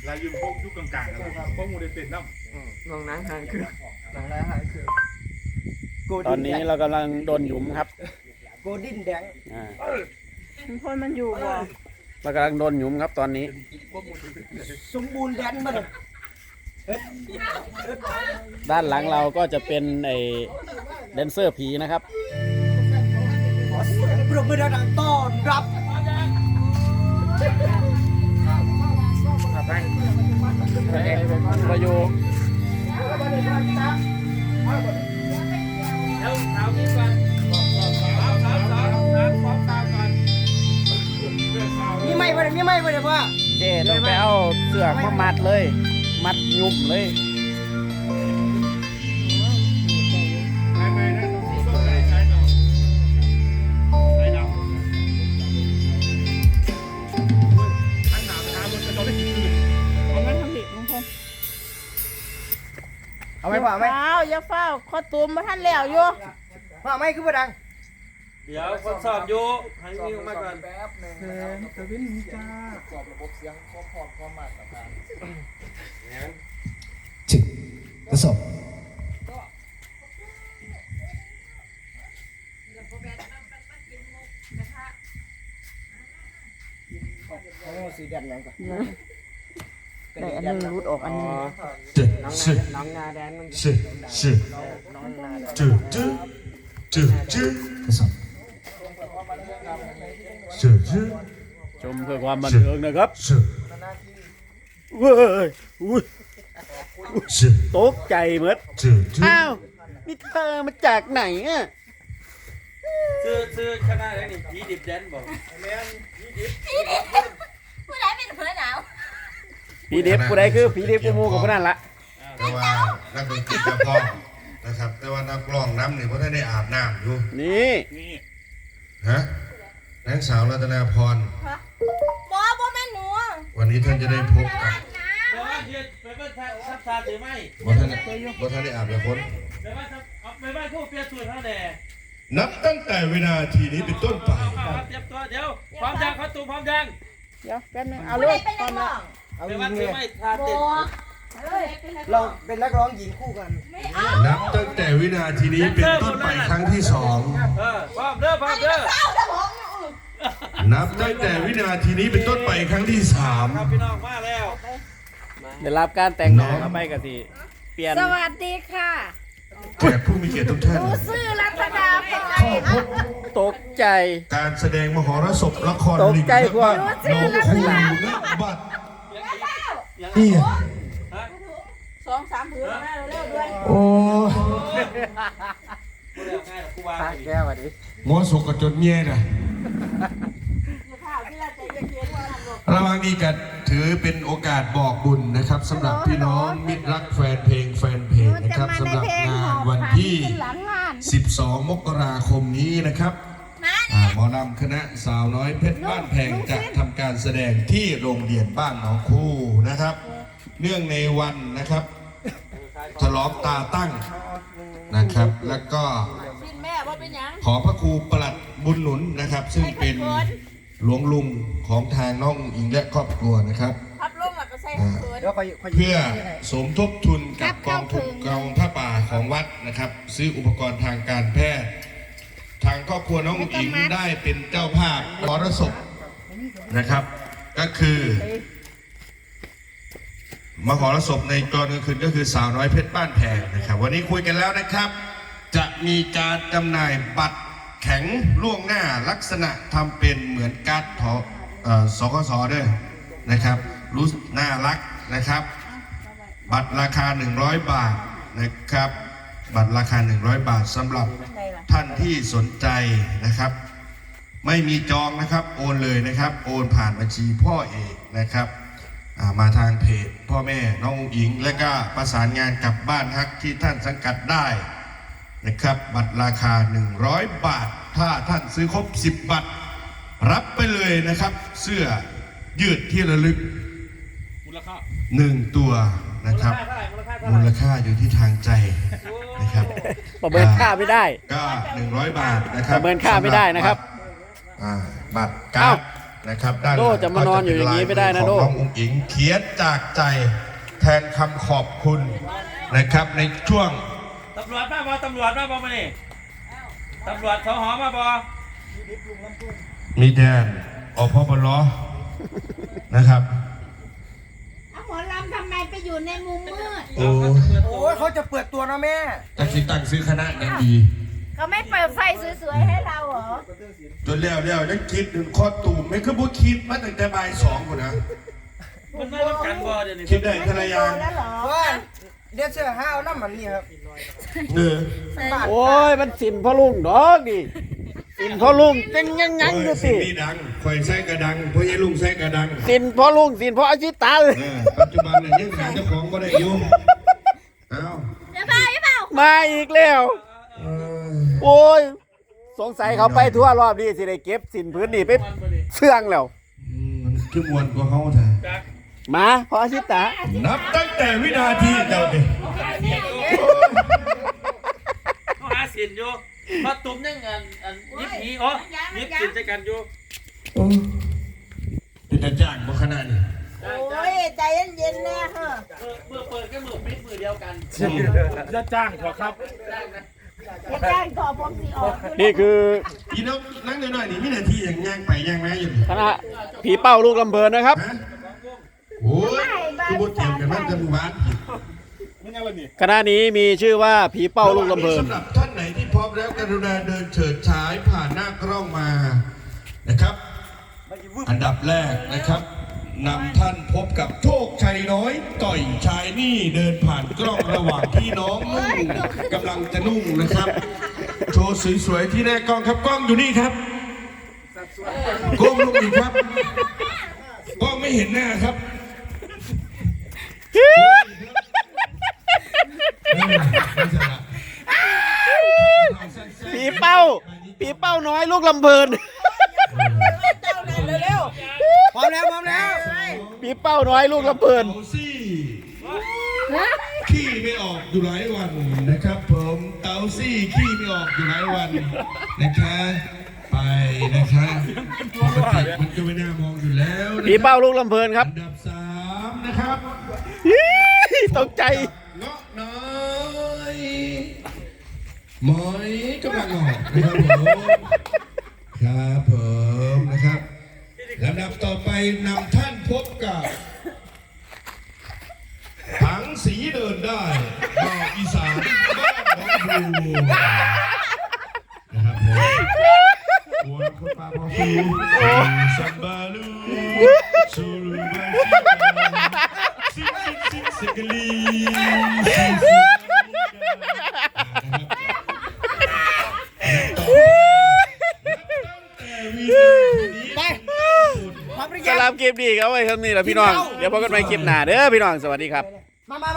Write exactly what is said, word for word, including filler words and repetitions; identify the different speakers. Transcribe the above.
Speaker 1: ลายยืมพวกยุคกลางๆกันแล้วพวกมูได้เป็นน้ำ
Speaker 2: ลองนั่งหางคือ
Speaker 3: หนังได้หายคือ
Speaker 4: ตอนนี้เรากำลังโดนหยุมครับ
Speaker 3: โกดินแดง
Speaker 4: อ่า
Speaker 5: พ่นมันอยู่บ่
Speaker 4: เรากำลังโดนหยุมครับตอนนี้
Speaker 3: สมบูรณ์แดนมาเลย
Speaker 4: ด้านหลังเราก็จะเป็นไอ้แดนเซอร์ผีนะครับ
Speaker 3: ขอเสียงปรบมือดังๆต้อนรับ
Speaker 4: ประโยค
Speaker 2: แล้วเท้านี้ก่อนเท้าเท้าเท้าเท้าพร้อมตามกัน
Speaker 3: มีไหมวะเนี่ยมีไหมวะเนี่ยพ่อ
Speaker 4: เจต้องไปเอาเสือกมามัดเลย มัดหยุมเลย
Speaker 1: ไม่ไม่นะต้องใช้ใช้ดอกใช้ดอกท่านหนาวนะมันจะโดนได้กี่คืน
Speaker 5: อันนั้นทำผิดลุงพล
Speaker 3: เอาไหมพ่อเอาไหม
Speaker 5: เฝ้าอย่าเฝ้าคอตูมมาท่านแล้วอยู่
Speaker 3: พ่อเอาไหมคือบ่ดัง
Speaker 2: เดี๋ยวทดสอบอยู่ให้มีออกมาก่อน
Speaker 6: จึกทดสอบ
Speaker 3: โอ้สีแดงยังก่อน
Speaker 5: ได้อันนึงรุดออกอันนึง
Speaker 6: จึก
Speaker 2: น้อง
Speaker 6: จึก
Speaker 2: น้องนาแดนมัน
Speaker 6: จึกจึก
Speaker 3: น้องนา
Speaker 6: จึกจึกจึกจึกทดสอบจึกจึก
Speaker 4: ชมเพื่อความบันเทิงนะครับ
Speaker 6: จึก
Speaker 4: เว้ยอุ้ย
Speaker 6: จึก
Speaker 4: ตกใจหมด
Speaker 6: จึกจึก
Speaker 4: อ้าวนี่เธอมาจากไหนอ่ะ
Speaker 2: ซื้อซื้อคณะอะไรนี่ผีดิบแดนบอก
Speaker 7: ผู้ใดเป็นเพื่อนหนาว
Speaker 4: ผีเด็บกูได้คือผีเด็บกูมูกับพวกนั้นละ
Speaker 8: แต่ว่านักดนตรีจะพร้อมนะครับ แต่ว่านักร้องน้ำนี่เพราะท่านได้อาบน้ำอยู่
Speaker 4: นี่
Speaker 1: นี่
Speaker 8: ฮะนางสาวรัตนาพร
Speaker 7: บอบ่แม่นหนู
Speaker 8: วันนี้ท่านจะได้พบกับ
Speaker 2: แปลว่าเย็นไปบ้านทับทานหรือไม่
Speaker 8: บ่ท่านบ่ท่านได้อาบน้ำฝน
Speaker 2: ไปบ้านทับเอาไปบ้านผู้เปลี่ยนสูตรเท่าแน่
Speaker 8: นับตั้งแต่วินาทีนี้เป็นต้นไป
Speaker 2: เอาเอาเตรียมตัวเดี๋ยวพร้อมยังเขาตูมพร้อมยัง
Speaker 5: เดี๋ยวแป๊บนึงเอา
Speaker 7: ผู้
Speaker 5: ลู
Speaker 7: ใด
Speaker 5: ก
Speaker 7: เป็น
Speaker 5: ก่
Speaker 7: นั
Speaker 5: อก น
Speaker 7: ร้
Speaker 5: ละ
Speaker 7: อง
Speaker 3: เอา
Speaker 2: ไป
Speaker 3: ยิ
Speaker 2: บ้าน
Speaker 3: ง
Speaker 2: ถื
Speaker 3: เล
Speaker 2: อย ไม่ทา
Speaker 7: บ
Speaker 2: เต้น
Speaker 7: อเฮ้ยเป็นนักร้
Speaker 3: เรา
Speaker 7: อง
Speaker 3: เป็นนักร้องหญิงคู่กัน
Speaker 7: ไม่เอา
Speaker 8: นับตั้งแต่วินาทีนี้เป็นต้นไปครั้งที่สอง
Speaker 2: เออพร้อมเด้อพร้อมเด้อ
Speaker 7: เศร้าเด้อผมเนี่ยอือ
Speaker 8: นับตั้งแต่วินาทีนี้เป็นต้นไปครั้งที่สาม
Speaker 2: ครับพี่น้องมาแล้ว
Speaker 4: ได้รับการแต่งหน้าเข้าไปกันสิเปลี่ยน
Speaker 7: สวัสดีค่ะ
Speaker 8: แขกผู้มีเกียรติทุกท่าน
Speaker 7: หนูชื่อรัตนาพร
Speaker 8: ขอพบ
Speaker 4: ตกใจ
Speaker 8: การแสดงมหรสพละคร
Speaker 4: ตกใจกว่า
Speaker 8: น้องคู่และบัตรนี่
Speaker 5: สองสามผืนมาเร็วๆด้วย
Speaker 8: โอ้
Speaker 2: กูเรียกง่ายหรอกกูวาง
Speaker 3: ตา
Speaker 2: ไปดิ
Speaker 3: แก้วอ่ะดิ
Speaker 8: หมอสกกระจนเงี้ยนะ
Speaker 5: ข้าวที่เราใจเย็นๆว่าทำหรอก
Speaker 8: ระหว่างนี้กันถือเป็นโอกาสบอกบุญนะครับสำหรับพี่น้องมิตรรักแฟนเพลงแฟนเพจนะครับสำหรับงานวันที่
Speaker 5: หลังงาน
Speaker 8: สิบสอง มกราคมนี้นะครับ
Speaker 7: มา
Speaker 8: อ่า
Speaker 7: เนี่ย
Speaker 8: หมอลำคณะสาวน้อยเพชรบ้านแพงจะทำการแสดงที่โรงเรียนบ้านหนองคู่นะครับ เนื่องในวันนะครับฉลองตาตั้งนะครับ แล้วก็
Speaker 5: สิ้นแม่ว่าเป็นยัง
Speaker 8: ขอพระครูประหลัดบุญหนุนนะครับ ซึ่งเป็นหลวงลุงของทางน้องอิงและครอบครัวนะครับ
Speaker 5: พับลงแล้วก็ใส่
Speaker 8: อ่า
Speaker 5: เขิน
Speaker 3: เดี๋ยวคอยคอย
Speaker 8: เพื่อสมทบทุนกับกองทุนกองผ้าป่าของวัดนะครับ ซื้ออุปกรณ์ทางการแพทย์ ทางครอบครัวน้องอิงได้เป็นเจ้าภาพมรสพนะครับ ก็คือมหรสพในตอนกลางคืนก็คือสาวน้อยเพชรบ้านแพงนะครับ วันนี้คุยกันแล้วนะครับ จะมีการจำหน่ายบัตรแข็งล่วงหน้าลักษณะทำเป็นเหมือนการ์ดทอเอ่อสคสด้วยนะครับ รู้น่ารักนะครับ บัตรราคาหนึ่งร้อยบาทนะครับ บัตรราคาหนึ่งร้อยบาทสำหรับท่านที่สนใจนะครับ ไม่มีจองนะครับโอนเลยนะครับ โอนผ่านบัญชีพ่อเอกนะครับอ่ามาทางเพจพ่อแม่น้องอุ๋งอิง และก็ประสานงานกับบ้านฮักที่ท่านสังกัดได้นะครับ บัตรราคาหนึ่งร้อยบาท ถ้าท่านซื้อครบสิบบัตร รับไปเลยนะครับ เสื้อยืดที่ระลึก
Speaker 1: มูลค่า
Speaker 8: หนึ่งตัวนะครับ มูลค่าอยู่ที่ทางใจนะครับ
Speaker 4: ประเมินค่าไม่ได้
Speaker 8: ก็หนึ่งร้อยบาทนะค
Speaker 4: ป
Speaker 8: รับ
Speaker 4: ระเมินค่าไม่ได้นะครับ
Speaker 8: อ่าบัตรกา
Speaker 4: เอ้า
Speaker 8: ร์ดนะครับด้านห
Speaker 4: โด
Speaker 8: ลัง
Speaker 4: จะมานอนอยู่อย่างนี้ไม่ได้นะโด
Speaker 8: ของน้องอุ๋งอิงเขียนจากใจแทนคำขอบคุณนะครับในช่วง
Speaker 2: ตำรวจมาบอตำรวจมาบอมานี่ตำรวจสหมาบอ
Speaker 8: มีแดนอพบลนะครับ
Speaker 7: เอาหมอลำทำไมไปอยู่ในมุมมืด
Speaker 8: โอ้
Speaker 3: โอ้ยเขาจะเปิดตัวนะแม่
Speaker 8: จากที่ตั้งซื้อคณะยังดี
Speaker 7: เขาไม่เปิดไฟสวยๆให้เราเหรอ
Speaker 8: จนแล้วแล้วยังคิดถึงข้อตูมไม่คือบุคิดมาตั้งแต่บ่ายสองคนนะ
Speaker 2: มันไม่รับกันบอเดี๋ยวนี้
Speaker 8: คิดได้ทะเลยาง
Speaker 7: แล้วเหรอ
Speaker 3: ว่าเดี๋ยวเชื่อห้าวน้ำมันนี่ครับ
Speaker 8: เออ
Speaker 4: โอ้ยมันสินพ่อลุงดอกดิสินพ่อลุงเป็นยังไงดู
Speaker 8: สิ
Speaker 4: สิ
Speaker 8: มีดังคอยใส่กระดังเพราะยัยลุงใส่กระดัง
Speaker 4: สินพ่อลุงสินพ่ออาชิตาเลย
Speaker 8: เออปัจจุบันเนี่ยยังหาเจ้าของก็ได้อยุ่งเอ้า
Speaker 7: เดี๋ยวเปล่าเดี๋ยวเปล่า
Speaker 4: มาอีกแล้ว
Speaker 8: เออ
Speaker 4: โอ้ยสงสัยเขาไปทั่วรอบนี้สิได้เก็บสินพื้นนี่ไปเสื่องแล้ว
Speaker 8: อืมมันคือมวนกว่าเขาเถอะ
Speaker 4: มาพ่ออาชิตา
Speaker 8: นับตั้งแต่วินาทีเจ้าดิ
Speaker 2: เขาหาสินอยู่มาตุ้มยังอันอันยิบหีอ๋อยิบสินใจกันอยู่
Speaker 8: โอ้เป็นตาจ้างบ่ขนาดนี้
Speaker 7: โอ้ยใจเย็นๆนะเฮ้อ
Speaker 2: เมื่อเปิดก็มือปิดมือเดียวกัน
Speaker 1: จะจ้างขอครับ
Speaker 7: อย่าแจ้งต่อผมสีออก
Speaker 4: นี่คือ
Speaker 8: อีน้องนั่งหน่อยๆนี่วินาทีอย่างย่างไปย่างมาอยู่
Speaker 4: คณะผีเป้าลูกลำเบินนะครับ
Speaker 8: ฮะโอ้ยคือบทเทียมกันมันจะหวาน
Speaker 1: ไม่งั้นวันนี้
Speaker 4: คณะนี้มีชื่อว่าผีเป้าลูกลำเบิน
Speaker 8: สำหรับท่านไหนที่พร้อมแล้วกรุณาเดินเฉิดฉายผ่านหน้ากล้องมานะครับ อันดับแรกนะครับนำท่านพบกับโชคชัยน้อย ต่อยชายนี่เดินผ่านกล้องระหว่างที่น้องนุ่งกำลังจะนุ่งนะครับ โชว์สวยๆที่แรกกล้องครับกล้องอยู่นี่ครับกล้องลูกอีกครับกล้องไม่เห็นหน้าครับเออไม่ใช่ละ
Speaker 4: ผีเป้าผีเป้าน้อยลูกลำเบิน
Speaker 3: เร็วๆพร้อมแล้วพร้อมแล้ว
Speaker 4: ผีเป้าน้อยลูกลำเบิน
Speaker 8: เต๋าซี่ขี้ไม่ออกอยู่หลายวันนะครับผมเต๋าซี่ขี้ไม่ออกอยู่หลายวันนะคะไปนะคะปกติมันก็ไม่น่ามองอยู่แล้วนะ
Speaker 4: ผี
Speaker 8: ครับ
Speaker 4: เป้าลูกลำเบินครับ
Speaker 8: อันดับสามนะครับ
Speaker 4: ตกใจ
Speaker 8: เงาะน้อยหมอยกำลังออกนะครับผมครับผมนะครับลำดับต่อไปนำท่านพบกับผังสีเดินได้ดอกอีสานบ้านน้องบูนะครับผมโอ้ยคนปลาพอฟูสัมบาลูสูรูบาซิกาซิกซิกซิกลีซิกซิกไป
Speaker 3: พร้อมหรือ
Speaker 4: ส
Speaker 3: ยัง
Speaker 4: ลามคลิปดีครับไว้เท่านี้แหละพี่น้อง เดี๋ยวพบกันใหม่คลิปหน้าเด้อพี่น้อง สวัสดีครับ
Speaker 3: มามา